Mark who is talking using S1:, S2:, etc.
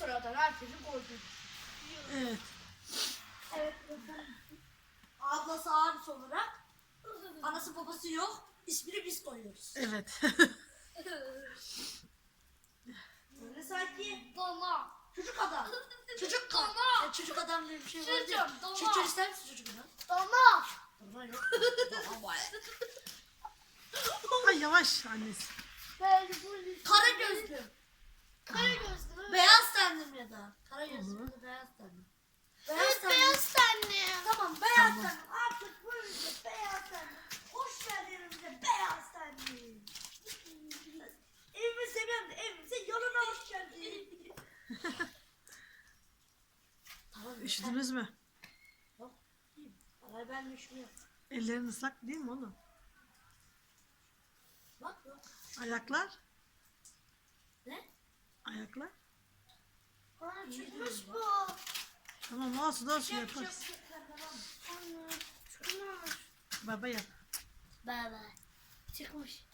S1: sıradan herkesi koydum.
S2: Evet.
S1: Evet. Ablası abisi olarak anası babası yok. İsmini biz koyuyoruz.
S2: Evet.
S1: Böyle sanki
S3: Dona.
S1: çocuk adam. Çocuk adam.
S3: Dona.
S1: Çocuk adam diye bir şey var
S3: Çocuğum,
S1: ya.
S3: dona.
S1: Şeker ister misin çocuk adam?
S3: Dona.
S1: Dona yok. Dona var.
S2: Ay yavaş annesi.
S3: Ben bu
S1: Kara gözlü.
S3: kara gözlü.
S1: Beyaz tenlim ya da. Kara gözlü
S2: Olur.
S1: ya da beyaz tenlim.
S3: Evet beyaz tenli.
S1: Tamam beyaz tenlim. Artık böyle beyaz tenlim. Hoş geldin evimize beyaz tenlim. Evimi seviyorum da evimize yoluna hoş geldin. Tamam.
S2: Üşüdünüz mü?
S1: Yok. Vallahi ben üşümüyorum.
S2: Ellerin ıslak değil mi oğlum?
S1: Bak yok.
S2: Ayaklar?
S1: Ne?
S2: Ayaklar?
S3: Bana
S1: İyi
S3: çıkmış
S1: diyorum
S3: bu.
S2: Tamam olsun olsun
S1: Şey
S2: yaparız.
S3: Anne çıkmış.
S2: Baba yap.
S3: Baba. Çıkmış.